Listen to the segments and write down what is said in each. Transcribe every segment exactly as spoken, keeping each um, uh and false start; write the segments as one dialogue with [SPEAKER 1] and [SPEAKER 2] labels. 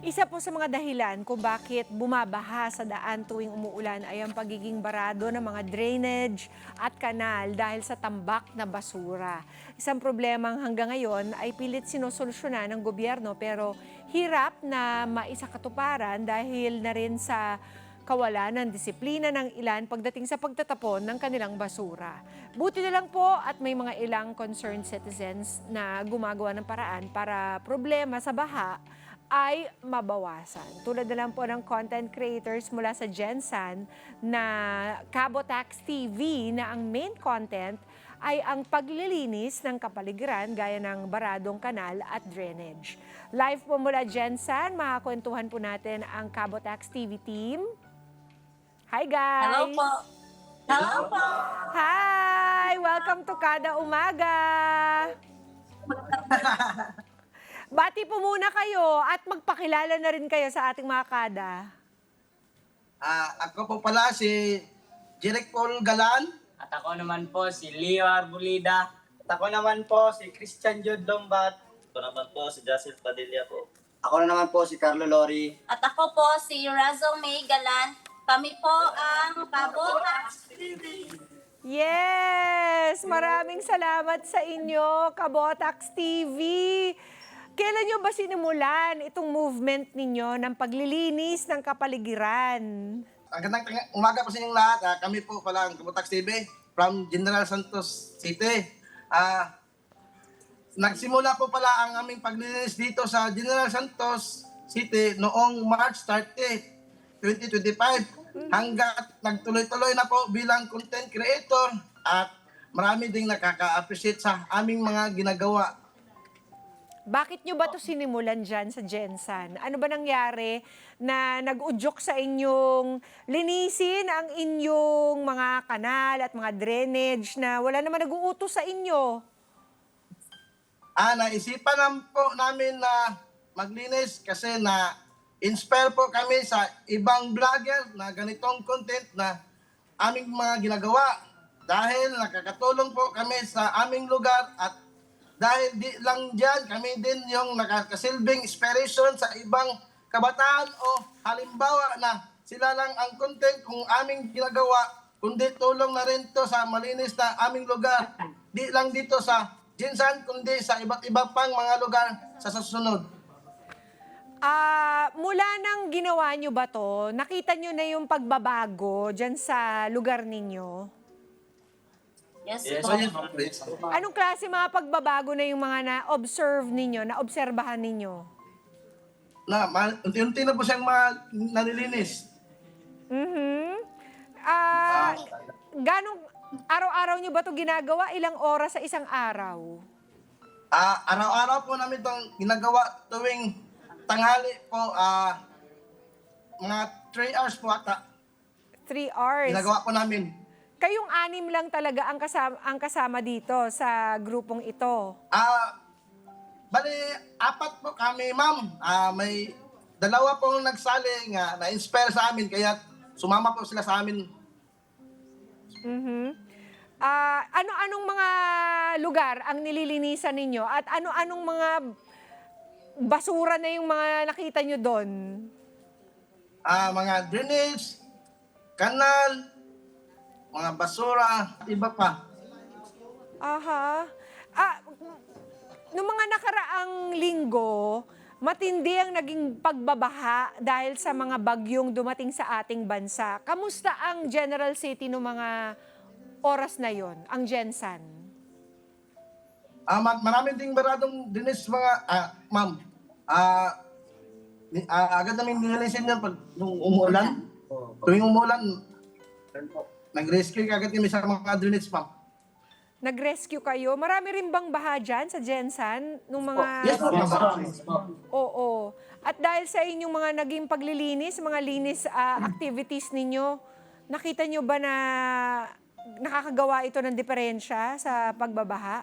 [SPEAKER 1] Isa po sa mga dahilan kung bakit bumabaha sa daan tuwing umuulan ay ang pagiging barado ng mga drainage at kanal dahil sa tambak na basura. Isang problemang hanggang ngayon ay pilit sinusolusyonan ng gobyerno pero hirap na maisakatuparan dahil na rin sa kawalan ng disiplina ng ilan pagdating sa pagtatapon ng kanilang basura. Buti na lang po at may mga ilang concerned citizens na gumagawa ng paraan para problema sa baha ay mabawasan. Tulad na lang po ng content creators mula sa Gensan na Cabotax T V na ang main content ay ang paglilinis ng kapaligiran gaya ng baradong kanal at drainage. Live po mula Gensan, makakwentuhan po natin ang Cabotax T V team. Hi guys!
[SPEAKER 2] Hello po! Hello po!
[SPEAKER 1] Hi! Welcome to Kada Umaga! Bati po muna kayo at magpakilala na rin kayo sa ating mga kada.
[SPEAKER 3] Ah, ako po pala si Jeric Paul Galan.
[SPEAKER 4] At ako naman po si Leo Arbulida.
[SPEAKER 5] At ako naman po si Christian Jude Lombat.
[SPEAKER 6] Ako naman po si Jacel Padilla po.
[SPEAKER 7] Ako na naman po si Carlo Lori.
[SPEAKER 2] At ako po si Razzle May Galan. Kami po ang Cabotax T V.
[SPEAKER 1] Yes! Maraming salamat sa inyo, Cabotax T V. Kailan nyo ba sinimulan itong movement ninyo ng paglilinis ng kapaligiran?
[SPEAKER 3] Ang gandang tanga- umaga po sa inyong lahat. Ah, kami po pala ang Cabotax T V from General Santos City. Ah, nagsimula po pala ang aming paglilinis dito sa General Santos City noong March thirtieth, twenty twenty-five. Hanggat nagtuloy-tuloy na po bilang content creator at marami ding nakaka-appreciate sa aming mga ginagawa.
[SPEAKER 1] Bakit nyo ba ito sinimulan dyan sa Gensan? Ano ba nangyari na nag-udyok sa inyong linisin ang inyong mga kanal at mga drainage na wala naman nag-uutos sa inyo?
[SPEAKER 3] Ah, naisipan lang po namin na maglinis kasi na inspire po kami sa ibang vlogger na ganitong content na aming mga ginagawa. Dahil nakakatulong po kami sa aming lugar at dahil di lang dyan, kami din yung nakakasilbing inspiration sa ibang kabataan o halimbawa na sila lang ang content kung aming ginagawa, kundi tulong na rin to sa malinis na aming lugar. Di lang dito sa Gensan, kundi sa iba't iba pang mga lugar sa susunod.
[SPEAKER 1] Ah, mula nang ginawa nyo ba to, nakita nyo na yung pagbabago dyan sa lugar ninyo?
[SPEAKER 2] Yes,
[SPEAKER 6] Yes,
[SPEAKER 2] po.
[SPEAKER 6] yes, yes.
[SPEAKER 1] Anong klase mga pagbabago na yung mga na-observe ninyo, na-obserbahan ninyo?
[SPEAKER 3] Na, ma- unti-unti na po siyang ma- nalilinis.
[SPEAKER 1] Mhm. Ah, ganong araw-araw nyo ba to ginagawa? Ilang oras sa isang araw?
[SPEAKER 3] Ah, araw-araw po namin itong ginagawa tuwing tanghali po, ah, mga three hours po ata.
[SPEAKER 1] Three hours.
[SPEAKER 3] Ginagawa po namin.
[SPEAKER 1] Kayong anim lang talaga ang kasama, ang kasama dito sa grupong ito.
[SPEAKER 3] Ah, bali, apat po kami, ma'am. Ah, may dalawa pong nagsali nga na-inspire sa amin, kaya sumama po sila sa amin.
[SPEAKER 1] Mhm. Ah, ano-anong mga lugar ang nililinisan ninyo at ano-anong mga basura na yung mga nakita nyo doon?
[SPEAKER 3] Ah, mga drainage, kanal, mga basura, iba pa.
[SPEAKER 1] Aha. Ah, noong mga nakaraang linggo, matindi ang naging pagbabaha dahil sa mga bagyong dumating sa ating bansa. Kamusta ang General City noong mga oras na yon, ang Gensan?
[SPEAKER 3] Ah, ma- marami ding baradong dinis mga, ah, ma'am. Ah, ni- ah, agad namin nililisin yan pag nung umuulan. Tuwing umuulan, nag-rescue agad kami sa mga drainage, ma'am.
[SPEAKER 1] Nag-rescue kayo? Marami rin bang baha dyan sa Gensan? Nung mga...
[SPEAKER 3] Yes, ma'am.
[SPEAKER 1] Oo. At dahil sa inyong mga naging paglilinis, mga linis ah, activities ninyo, nakita nyo ba na nakakagawa ito ng diferensya sa pagbabaha?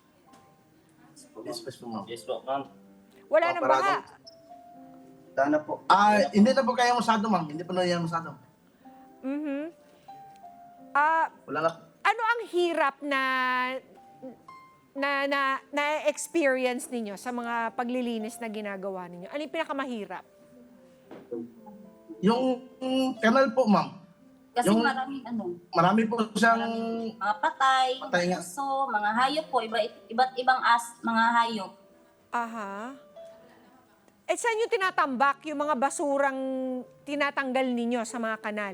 [SPEAKER 3] Yes, yes, ma'am.
[SPEAKER 6] Yes po, ma'am.
[SPEAKER 1] Wala
[SPEAKER 3] Oh,
[SPEAKER 1] nang baha.
[SPEAKER 7] Sana po.
[SPEAKER 3] Ah, hindi na po kaya masado, ma'am. Hindi po na yan masado.
[SPEAKER 1] Mhm. Ah,
[SPEAKER 3] Wala na.
[SPEAKER 1] ano ang hirap na na na na-experience ninyo sa mga paglilinis na ginagawa ninyo? Ano yung pinakamahirap?
[SPEAKER 3] Yung mm, kanal po, ma'am.
[SPEAKER 2] Kasi
[SPEAKER 3] Yung-
[SPEAKER 2] maraming ano,
[SPEAKER 3] Marami po siyang
[SPEAKER 2] mga patay,
[SPEAKER 3] Patay nga.
[SPEAKER 2] puso, mga hayop po, iba, iba't ibang as, mga hayop.
[SPEAKER 1] Aha. Eh, saan yung tinatambak yung mga basurang tinatanggal ninyo sa mga kanal?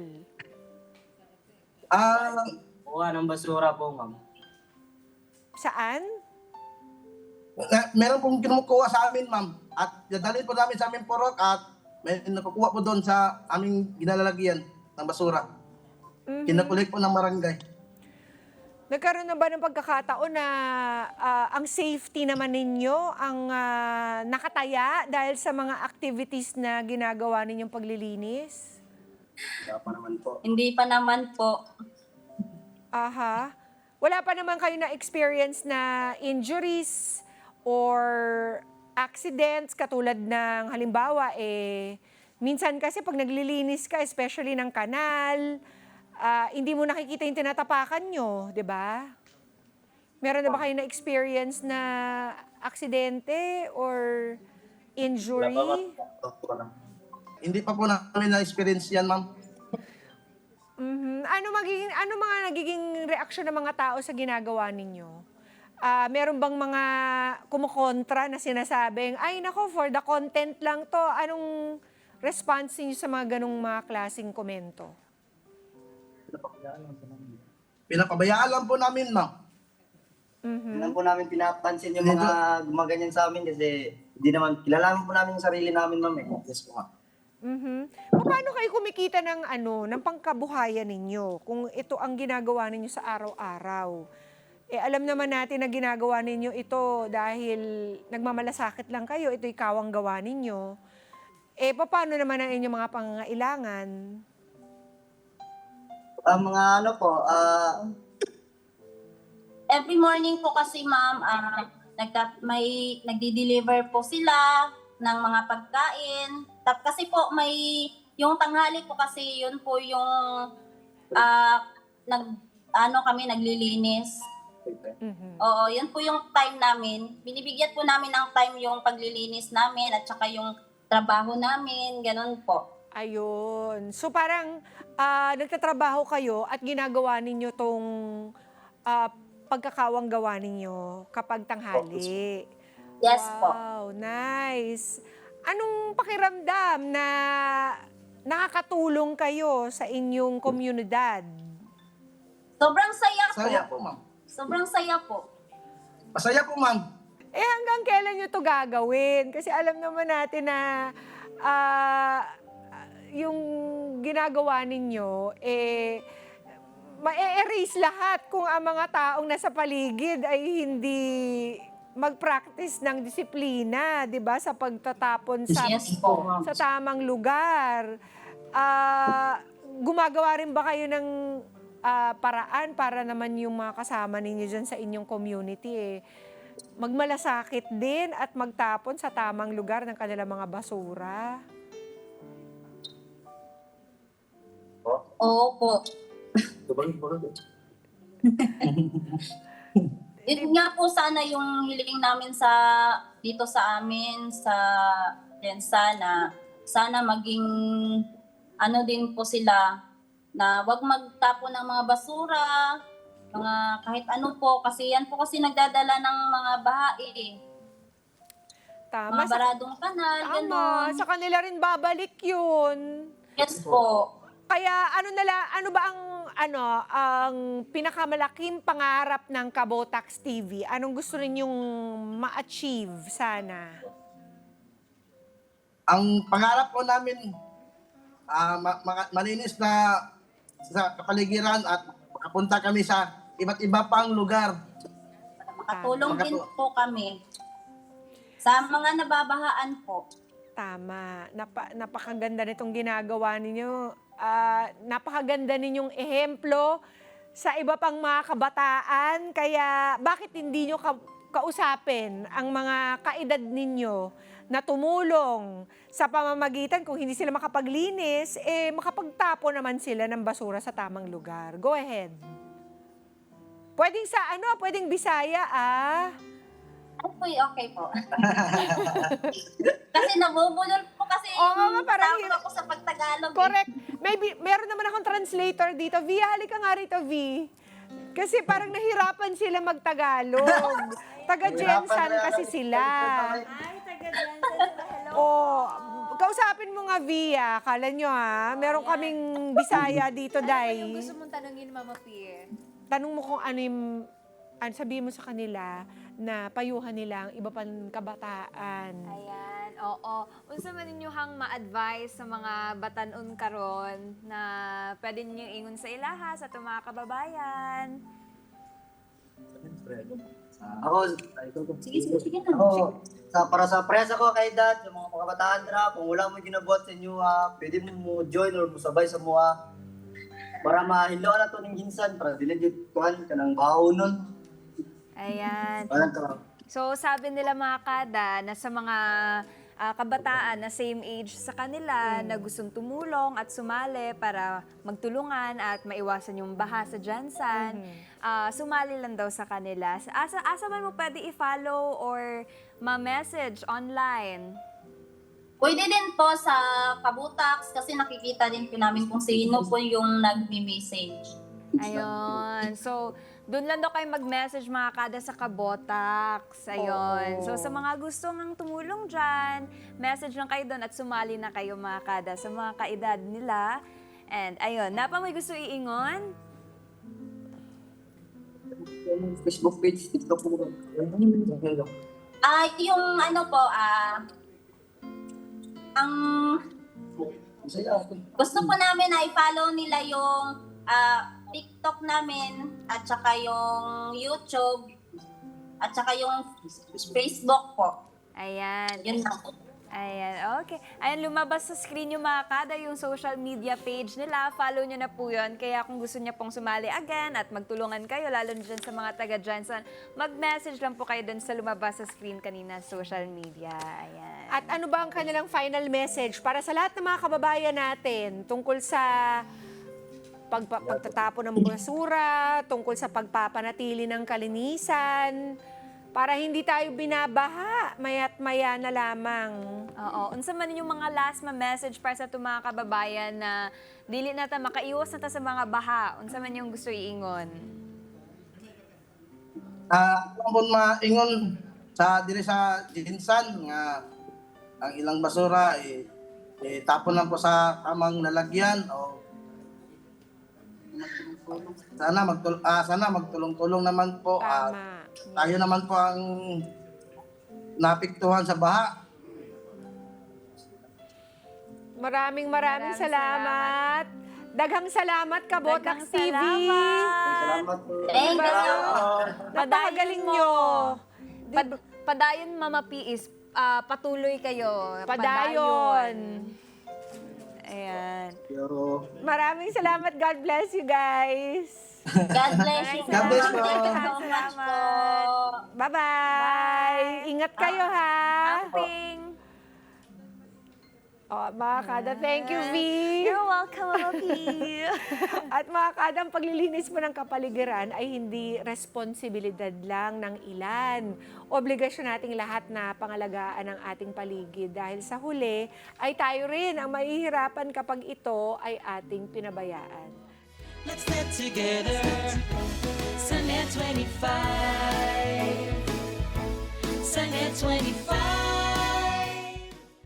[SPEAKER 3] ah
[SPEAKER 4] Kuha ng basura po, ma'am.
[SPEAKER 1] Saan?
[SPEAKER 3] na, meron pong kinukuha sa amin, ma'am. At dadalhin po namin sa aming purok at may nakukuha po doon sa aming ginalalagyan ng basura.
[SPEAKER 1] Mhm.
[SPEAKER 3] Kinakulik po ng barangay.
[SPEAKER 1] Nagkaroon na ba ng pagkakataon na ah, ang safety naman ninyo ang ah, nakataya dahil sa mga activities na ginagawa ninyong paglilinis?
[SPEAKER 7] Wala pa naman po.
[SPEAKER 2] Hindi pa naman po.
[SPEAKER 1] Aha. Wala pa naman kayo na experience na injuries or accidents katulad ng halimbawa eh minsan kasi pag naglilinis ka especially ng kanal, ah, hindi mo nakikita yung tinatapakan nyo, 'di ba? Meron na ba kayo na experience na aksidente or injury?
[SPEAKER 7] Wala pa, ma'am.
[SPEAKER 3] Hindi pa po namin na-experience yan, ma'am.
[SPEAKER 1] Mhm. Ano magiging ano mga nagiging reaksyon ng mga tao sa ginagawa ninyo? Ah, meron bang mga kumukontra na sinasabing, ay nako, for the content lang to. Anong response niyo sa mga ganong mga klaseng komento?
[SPEAKER 3] Pinapabayaan lang po namin, ma'am.
[SPEAKER 1] Mhm.
[SPEAKER 7] Hindi naman po namin pinapansin yung mga gumaganyan sa amin kasi hindi naman, kilala po namin yung sarili namin, ma'am. Eh.
[SPEAKER 3] Yes po, ma'am.
[SPEAKER 1] Mhm. Paano kayo kumikita ng ano, ng pangkabuhayan ninyo kung ito ang ginagawa ninyo sa araw-araw? Eh alam naman natin na ginagawa ninyo ito dahil nagmamalasakit lang kayo, ito ikaw ang gawa ninyo. Eh paano naman ang inyong mga pangangailangan?
[SPEAKER 7] Ang mga ano po, ah,
[SPEAKER 2] Every morning po kasi ma'am, ah, nagka, may nagdi-deliver po sila ng mga pagkain. Tap kasi po may yung tanghali po kasi yun po yung ah, nag ano kami naglilinis.
[SPEAKER 1] Mhm.
[SPEAKER 2] Oo, yun po yung time namin. Binibigyan po namin ng time yung paglilinis namin at saka yung trabaho namin, ganun po.
[SPEAKER 1] Ayun. So parang ah, nagtatrabaho kayo at ginagawa ninyo tong ah, pagkakawang gawa ninyo kapag tanghali.
[SPEAKER 2] Yes po.
[SPEAKER 1] Wow, nice. Anong pakiramdam na nakakatulong kayo sa inyong komunidad?
[SPEAKER 2] Sobrang saya po.
[SPEAKER 3] Saya po, ma'am.
[SPEAKER 2] Sobrang saya po.
[SPEAKER 3] Masaya po, ma'am.
[SPEAKER 1] Eh hanggang kailan nyo to gagawin? Kasi alam naman natin na ah, yung ginagawa ninyo, eh, ma-erase lahat kung ang mga taong nasa paligid ay hindi mag-practice ng disiplina, 'di ba, sa pagtatapon sa
[SPEAKER 2] Yes po.
[SPEAKER 1] sa tamang lugar. Ah, gumagawa rin ba kayo ng ah, paraan para naman yung mga kasama ninyo dyan sa inyong community eh, magmalasakit din at magtapon sa tamang lugar ng kanilang mga basura?
[SPEAKER 2] Oo po. Yun nga po sana yung hiling namin sa dito sa amin sa Lensa na sana maging ano din po sila na wag magtapon ng mga basura, mga kahit ano po kasi yan po kasi nagdadala ng mga baha eh.
[SPEAKER 1] Tama.
[SPEAKER 2] Mga
[SPEAKER 1] Sa,
[SPEAKER 2] baradong kanal,
[SPEAKER 1] tama.
[SPEAKER 2] gano'n.
[SPEAKER 1] Sa kanila rin babalik yun.
[SPEAKER 2] Yes po.
[SPEAKER 1] Kaya ano nala, ano ba ang ano ang pinakamalaking pangarap ng Kabotax T V? Anong gusto ninyong ma-achieve sana?
[SPEAKER 3] Ang pangarap po namin, ah, ma- ma- malinis na sa kapaligiran at makapunta kami sa iba't iba pang lugar.
[SPEAKER 2] Makatulong din
[SPEAKER 3] Makatu-
[SPEAKER 2] po kami sa mga nababahaan po.
[SPEAKER 1] Tama. Napa, napakaganda nitong ginagawa ninyo. Ah, napakaganda ninyong ehemplo sa iba pang mga kabataan. Kaya bakit hindi nyo ka- kausapin ang mga kaedad ninyo na tumulong sa pamamagitan kung hindi sila makapaglinis, eh makapagtapo naman sila ng basura sa tamang lugar. Go ahead. Pwedeng sa ano, pwedeng Bisaya ah.
[SPEAKER 2] Ano po, okay po. Kasi nabubulol po kasi kasi
[SPEAKER 1] Oo nga,
[SPEAKER 2] yung
[SPEAKER 1] parang
[SPEAKER 2] takot
[SPEAKER 1] hir-
[SPEAKER 2] ako sa pagtagalog. eh.
[SPEAKER 1] Correct. Maybe, meron naman akong translator dito. V, halika nga rito, V. Kasi parang nahirapan sila magtagalog. Taga-Jensan kasi sila.
[SPEAKER 8] Ay, taga dyan. Hello.
[SPEAKER 1] Oh, kausapin mo nga, V, ah. Kala nyo, ha? Meron kaming Bisaya dito,
[SPEAKER 8] Ano ba
[SPEAKER 1] Day.
[SPEAKER 8] yung gusto mong tanongin, Mama P?
[SPEAKER 1] Tanong mo kung ano yung, ano, sabihin mo sa kanila na payuhan nila ang iba pang kabataan.
[SPEAKER 8] Ayan, oo. Unsa man ninyo hang ma-advise sa mga batanon karon na pwede ninyo ingon sa ilaha sa itong mga kababayan?
[SPEAKER 7] Ako,
[SPEAKER 2] Sige, sige, sige na.
[SPEAKER 7] ako, sa, para sa presa ko kay dad, sa mga kabataan dra, kung wala mo ginabuhat sa inyo, ha, pwede mo mo join or mo sabay sa mga para mahilo na to ning ginsan, para dili jud kuan kanang baho nun.
[SPEAKER 8] Ayan.
[SPEAKER 7] Wala to.
[SPEAKER 8] So, sabi nila mga kada na sa mga ah, kabataan na same age sa kanila na gustong tumulong at sumali para magtulungan at maiwasan yung baha sa Jansan, ah, sumali lang daw sa kanila. Asa, asa man mo pwede i-follow or ma-message online?
[SPEAKER 2] Pwede din po sa Kabutax kasi nakikita din po namin kung sino po yung nagme-message.
[SPEAKER 8] Ayun. So, doon lang daw kayo mag-message mga kada sa Kabotax. Ayun. So, sa mga gusto ng tumulong dyan, message lang kayo doon at sumali na kayo mga kada sa mga kaedad nila. And ayun, napa may gusto iingon?
[SPEAKER 7] Facebook page, TikTok mo.
[SPEAKER 2] Ah, yung ano po, ah, ang gusto po namin na i-follow nila yung ah, TikTok namin at saka yung YouTube at saka yung Facebook po.
[SPEAKER 8] Ayan.
[SPEAKER 2] Yun lang po.
[SPEAKER 8] Ayan, okay. Ayan, lumabas sa screen yung mga kada, yung social media page nila. Follow nyo na po yun. Kaya kung gusto niya pong sumali again at magtulungan kayo, lalo na dyan sa mga taga-Jansan, mag-message lang po kayo dun sa lumabas sa screen kanina, social media. Ayan.
[SPEAKER 1] At ano ba ang kanilang final message para sa lahat ng mga kababayan natin tungkol sa pagpa- pagtatapon ng basura, tungkol sa pagpapanatili ng kalinisan, para hindi tayo binabaha, maya't maya na lamang.
[SPEAKER 8] Oo. Unsa man yung mga last ma message para sa itong mga kababayan na dili na ta makaiwas na ta sa mga baha. Unsa man yung gusto iingon?
[SPEAKER 3] Ah, uh, maingon sa diri sa Jinsan nga ang ilang basura eh, eh tapon lang po sa tamang lalagyan o sana magtul ah, sana magtulong-tulong naman po at
[SPEAKER 1] Tama.
[SPEAKER 3] tayo naman po ang napiktuhan sa baha.
[SPEAKER 1] Maraming maraming
[SPEAKER 8] Maraming
[SPEAKER 1] salamat. Daghang salamat, Kabotax
[SPEAKER 8] Daghang
[SPEAKER 1] T V.
[SPEAKER 8] salamat.
[SPEAKER 7] Salamat po.
[SPEAKER 2] Thank you.
[SPEAKER 1] Napakagaling nyo.
[SPEAKER 8] Pad- padayon, Mama P is ah, patuloy kayo.
[SPEAKER 1] Padayon.
[SPEAKER 8] Ayan.
[SPEAKER 7] Pero
[SPEAKER 1] Maraming salamat. God bless you guys.
[SPEAKER 2] God bless you.
[SPEAKER 3] God bless po.
[SPEAKER 2] Thank you so much po.
[SPEAKER 1] Bye-bye. Ingat kayo, ha?
[SPEAKER 8] Amping.
[SPEAKER 1] Oh, mga kada, thank you, V.
[SPEAKER 8] You're welcome, Mama P.
[SPEAKER 1] At mga kada, ang paglilinis mo ng kapaligiran ay hindi responsibilidad lang ng ilan. Obligasyon nating lahat na pangalagaan ang ating paligid dahil sa huli ay tayo rin ang mahihirapan kapag ito ay ating pinabayaan.
[SPEAKER 9] Let's get together. Sunday twenty-five. Sunday twenty-five.